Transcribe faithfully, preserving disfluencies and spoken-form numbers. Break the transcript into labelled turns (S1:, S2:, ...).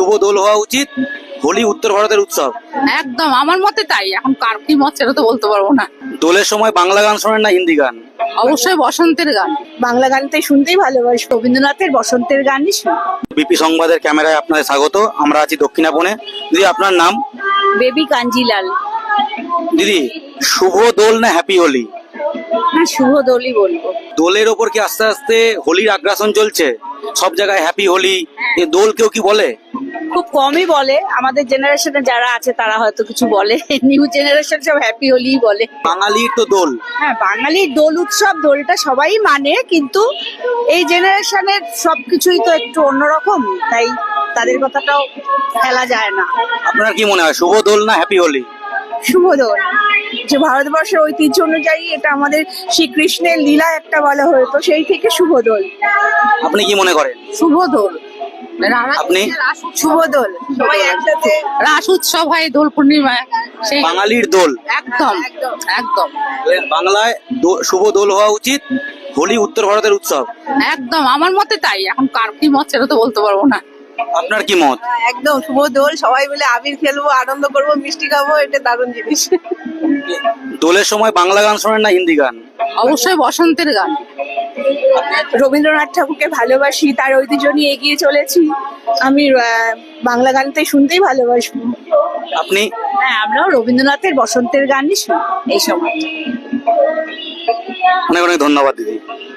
S1: শুভ দোল হওয়া উচিত, হোলি উত্তর ভারতের উৎসব।
S2: একদম আমার মতে তাই। এখন কার কি মত সেটা তো বলতে পারবো না।
S1: দোলের সময় বাংলা গান শোনেন না হিন্দি গান?
S2: অবশ্যই বসন্তের গান।
S3: বাংলা গানটাই শুনতেই ভালোবাসি, রবীন্দ্রনাথের বসন্তের গানই শুনি।
S1: বিপি সংবাদের ক্যামেরায় আপনাদের স্বাগত। আমরা আছি দক্ষিণাপনে। দিদি, আপনার নাম?
S3: বেবি কাঞ্জিলাল।
S1: দিদি, শুভ দোল না হ্যাপি হোলি?
S3: হ্যাঁ, শুভ দোলই বলবো।
S1: দোলের ওপর কি আস্তে আস্তে হোলির আগ্রাসন চলছে? সব জায়গায় হ্যাপি হোলি, এ দোল কেউ কি বলে?
S3: খুব কমই বলে, আমাদের জেনারেশনে যারা আছে তারা হয়তো কিছু বলে, নিউ জেনারেশন সব হ্যাপি হোলি বলে।
S1: বাঙালির তো দোল।
S3: হ্যাঁ, বাঙালির দোল উৎসব, দোলটা সবাই মানে, কিন্তু এই জেনারেশনের সবকিছুই তো একটু অন্যরকম, তাই তাদের কথাটাও ফেলা যায় না।
S1: আপনার কি মনে হয় শুভ দোল না হ্যাপি হোলি?
S3: শুভ দোল, যে ভারতবর্ষের ঐতিহ্য অনুযায়ী এটা আমাদের শ্রীকৃষ্ণের লীলা একটা বলা হতো, সেই থেকে শুভ দোল।
S1: আপনি কি মনে করেন?
S2: শুভ দোল।
S1: আপনি?
S3: শুভ দোল, সবাই একসাথে
S2: রাস উৎসব হয় দোল পূর্ণিমায়, সেই
S1: বাঙালির দোল।
S2: একদম একদম
S1: বাংলায় দো- শুভ দোল হওয়া উচিত, হোলি উত্তর ভারতের উৎসব।
S2: একদম আমার মতে তাই। এখন কার কি মত সেটা তো বলতে পারবো না।
S1: আপনার কি মত?
S3: একদম শুভ দোল, সবাই মিলে আবির খেলবো, আনন্দ করবো, মিষ্টি খাবো, এটা দারুণ জিনিস।
S1: দোলের সময় বাংলা গান শোনেন না হিন্দি গান?
S2: অবশ্যই বসন্তের গান।
S3: রবীন্দ্রনাথ ঠাকুরকে ভালোবাসি, তার ঐতিহ্য নিয়ে এগিয়ে চলেছি। আমি আহ, বাংলা গানটাই শুনতেই ভালোবাসবো।
S1: আপনি?
S3: হ্যাঁ, আমরাও রবীন্দ্রনাথের বসন্তের গানই শুনি এই সময়।
S1: অনেক অনেক ধন্যবাদ দিদি।